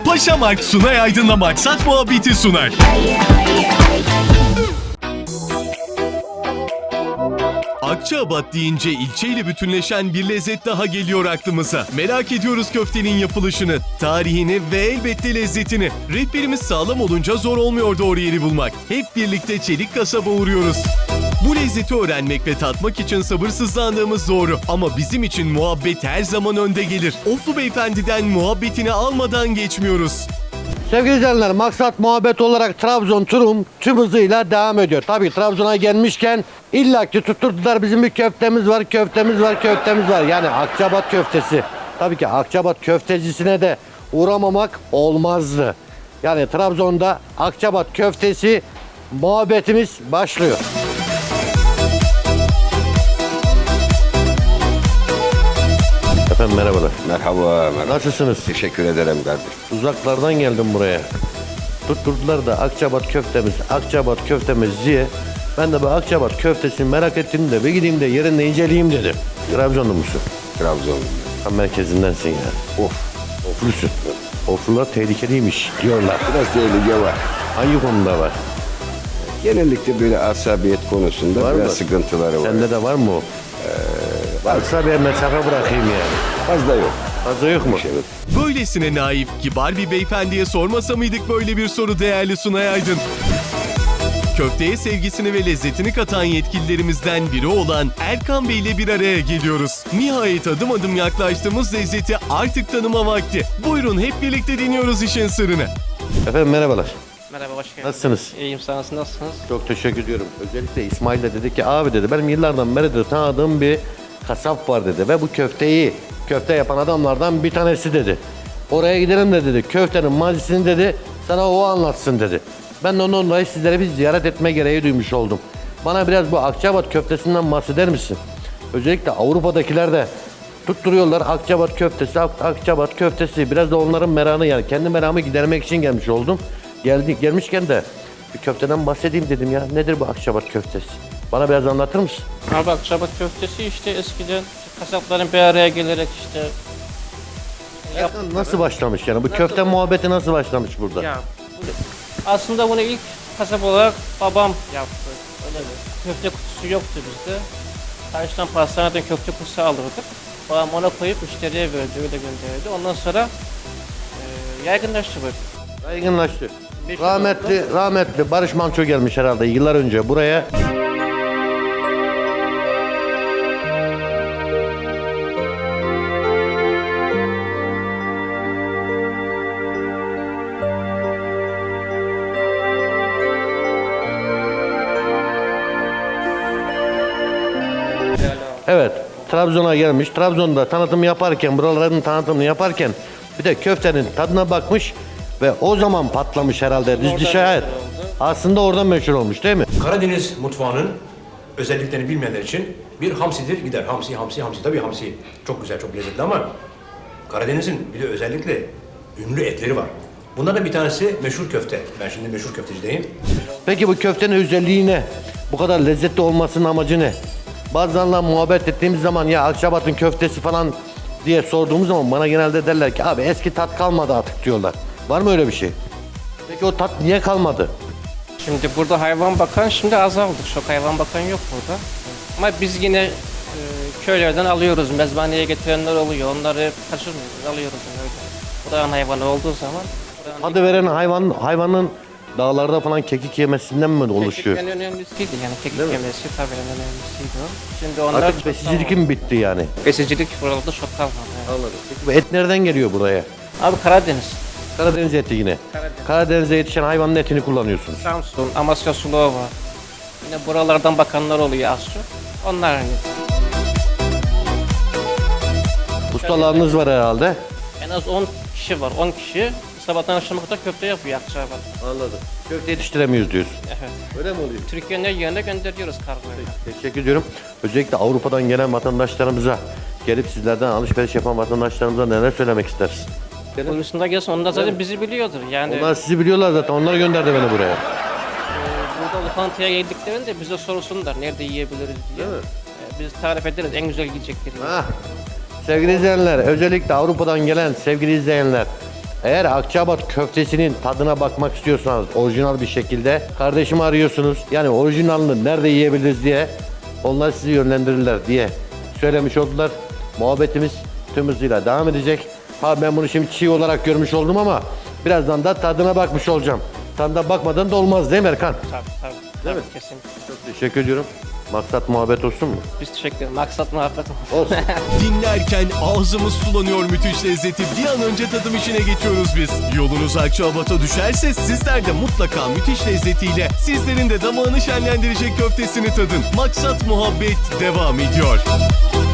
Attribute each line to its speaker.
Speaker 1: Paşamark Sunay Aydın'la Maksat Muhabbeti sunar. Akçaabat deyince ilçeyle bütünleşen bir lezzet daha geliyor aklımıza. Merak ediyoruz köftenin yapılışını, tarihini ve elbette lezzetini. Rehberimiz sağlam olunca zor olmuyor doğru yeri bulmak. Hep birlikte Çelik Kasab'a uğruyoruz. Bu lezzeti öğrenmek ve tatmak için sabırsızlandığımız doğru. Ama bizim için muhabbet her zaman önde gelir. Oflu Beyefendi'den muhabbetini almadan geçmiyoruz.
Speaker 2: Sevgili izleyenler, maksat muhabbet olarak Trabzon turum tüm hızıyla devam ediyor. Tabii Trabzon'a gelmişken illaki tutturdular, bizim bir köftemiz var, köftemiz var, köftemiz var. Yani Akçaabat köftesi. Tabii ki Akçaabat köftecisine de uğramamak olmazdı. Yani Trabzon'da Akçaabat köftesi muhabbetimiz başlıyor. Efendim merhabalar.
Speaker 3: Merhaba.
Speaker 2: Nasılsınız?
Speaker 3: Teşekkür ederim kardeşim.
Speaker 2: Uzaklardan geldim buraya. Tutturdular da Akçaabat köftemiz, Akçaabat köftemiz diye. Ben de bu Akçaabat köftesini merak ettim de bir gideyim de yerinde inceleyeyim dedim. Trabzonlu musun?
Speaker 3: Trabzon.
Speaker 2: Tam merkezindensin ya.
Speaker 3: Of.
Speaker 2: Oflusun. Oflular tehlikeliymiş diyorlar.
Speaker 3: Biraz tehlike var.
Speaker 2: Hangi konuda var?
Speaker 3: Genellikle böyle asabiyet konusunda
Speaker 2: Var
Speaker 3: biraz
Speaker 2: mı?
Speaker 3: sıkıntıları var.
Speaker 2: Sende de var mı o? Varsa bir mesafe bırakayım yani.
Speaker 3: Fazla yok.
Speaker 2: Fazla yok mu?
Speaker 3: Evet.
Speaker 1: Böylesine naif, kibar bir beyefendiye sormasa mıydık böyle bir soru değerli Sunay Aydın? Köfteye sevgisini ve lezzetini katan yetkililerimizden biri olan Erkan Bey ile bir araya geliyoruz. Nihayet adım adım yaklaştığımız lezzeti artık tanıma vakti. Buyurun hep birlikte deniyoruz işin sırrını.
Speaker 2: Efendim merhabalar.
Speaker 4: Merhaba, hoş geldiniz.
Speaker 2: Nasılsınız?
Speaker 4: İyiyim, sağ olun. Nasılsınız?
Speaker 2: Çok teşekkür ediyorum. Özellikle İsmail de dedi ki abi dedi benim yıllardan beri de tanıdığım bir kasap var dedi. Ve bu köfte yapan adamlardan bir tanesi dedi. Oraya gidelim de dedi. Köftenin mazisini dedi sana o anlatsın dedi. Ben de ondan dolayı sizlere bir ziyaret etme gereği duymuş oldum. Bana biraz bu Akçaabat köftesinden bahseder misin? Özellikle Avrupa'dakiler de tutturuyorlar Akçaabat köftesi, Akçaabat köftesi. Biraz da onların merakını yani kendi merakımı gidermek için gelmiş oldum. Gelmişken de bir köfteden bahsedeyim dedim ya. Nedir bu Akçaabat köftesi? Bana biraz anlatır mısın?
Speaker 4: Abi Akçaabat köftesi işte eskiden kasapların bir araya gelerek işte
Speaker 2: Nasıl başlamış yani? Bu köfte muhabbeti nasıl başlamış burada?
Speaker 4: ya, aslında bunu ilk kasap olarak babam yaptı. Öyle bir köfte kutusu yoktu bizde. Karşıdan pastaneden köfte kutusu alırdık. Babam ona koyup müşteriye verdi, öyle gönderirdi. Ondan sonra yaygınlaştı bu.
Speaker 2: Yaygınlaştı. Rahmetli Barış Manço gelmiş herhalde yıllar önce buraya. Evet, Trabzon'a gelmiş. Trabzon'da tanıtım yaparken, buraların tanıtımını yaparken bir de köftenin tadına bakmış ve o zaman patlamış herhalde. Düz şayet. Aslında oradan meşhur olmuş değil mi?
Speaker 5: Karadeniz mutfağının özelliklerini bilmeyenler için bir hamsidir gider. Hamsi. Tabii hamsi çok güzel, çok lezzetli ama Karadeniz'in bir de özellikle ünlü etleri var. Bunlardan bir tanesi meşhur köfte. Ben şimdi meşhur köftecideyim.
Speaker 2: Peki bu köftenin özelliği ne? Bu kadar lezzetli olmasının amacı ne? Bazenle muhabbet ettiğimiz zaman ya Akçaabat'ın köftesi falan diye sorduğumuz zaman bana genelde derler ki abi eski tat kalmadı artık diyorlar. Var mı öyle bir şey? Peki o tat niye kalmadı?
Speaker 4: Şimdi burada hayvan bakan şimdi azaldı. Çok hayvan bakan yok burada. Ama biz yine köylerden alıyoruz. Mezbaneye getirenler oluyor. Onları kaçırmıyoruz. Alıyoruz yani öyle. Buranın hayvanı olduğu zaman.
Speaker 2: Tadı veren hayvanın dağlarda falan kekik yemesinden mi oluşuyor?
Speaker 4: Kekik en önemlisiydi yani kekik yemesi tabii en önemlisiydi o. Şimdi onlar
Speaker 2: Artık
Speaker 4: çok
Speaker 2: besicilik mi bitti yani?
Speaker 4: besicilik buralarda çok kalmadı. Yani.
Speaker 2: Anladım. Peki bu et nereden geliyor buraya?
Speaker 4: Abi Karadeniz,
Speaker 2: Karadeniz eti yine.
Speaker 4: Karadeniz.
Speaker 2: Karadeniz'de yetişen hayvanın etini kullanıyorsunuz.
Speaker 4: Samsun, Amasya Sulova. Yine buralardan bakanlar oluyor az çok. Onlar hani.
Speaker 2: Ustalarınız var herhalde.
Speaker 4: En az 10 kişi var. 10 kişi sabahtan akşama kadar köfte yapıyor Akçaabat.
Speaker 2: Anladım. Köfte yetiştiremiyoruz diyorsun.
Speaker 4: Evet.
Speaker 2: Öyle mi oluyor?
Speaker 4: Türkiye'nin her yerine gönderiyoruz kargoyla.
Speaker 2: Teşekkür ediyorum. Özellikle Avrupa'dan gelen vatandaşlarımıza, gelip sizlerden alışveriş yapan vatandaşlarımıza neler söylemek istersin?
Speaker 4: Konusunda gelsin onlar zaten bizi biliyordur. Yani
Speaker 2: Onlar sizi biliyorlar zaten. Onlar gönderdi beni buraya.
Speaker 4: burada lokantaya geldiklerinde bize sorsunlar nerede yiyebiliriz diye. Biz tarif ederiz en güzel yiyecekleri.
Speaker 2: Sevgili izleyenler, özellikle Avrupa'dan gelen sevgili izleyenler, Eğer Akçaabat köftesinin tadına bakmak istiyorsanız orijinal bir şekilde kardeşimi arıyorsunuz. Yani orijinalini nerede yiyebiliriz diye onlar sizi yönlendirirler diye söylemiş oldular. Muhabbetimiz tüm hızıyla devam edecek. Ha ben bunu şimdi çiğ olarak görmüş oldum ama birazdan da tadına bakmış olacağım. Tadına bakmadan da olmaz değil mi Erkan?
Speaker 4: Tabii. Tabii kesinlikle.
Speaker 2: Çok teşekkür ediyorum. Maksat muhabbet olsun mu?
Speaker 4: Biz teşekkür ederiz. Maksat muhabbet olsun.
Speaker 2: Olsun.
Speaker 1: Dinlerken ağzımız sulanıyor müthiş lezzeti. Bir an önce tadım işine geçiyoruz biz. Yolunuz Akçaabat'a düşerse sizler de mutlaka müthiş lezzetiyle sizlerin de damağını şenlendirecek köftesini tadın. Maksat muhabbet devam ediyor.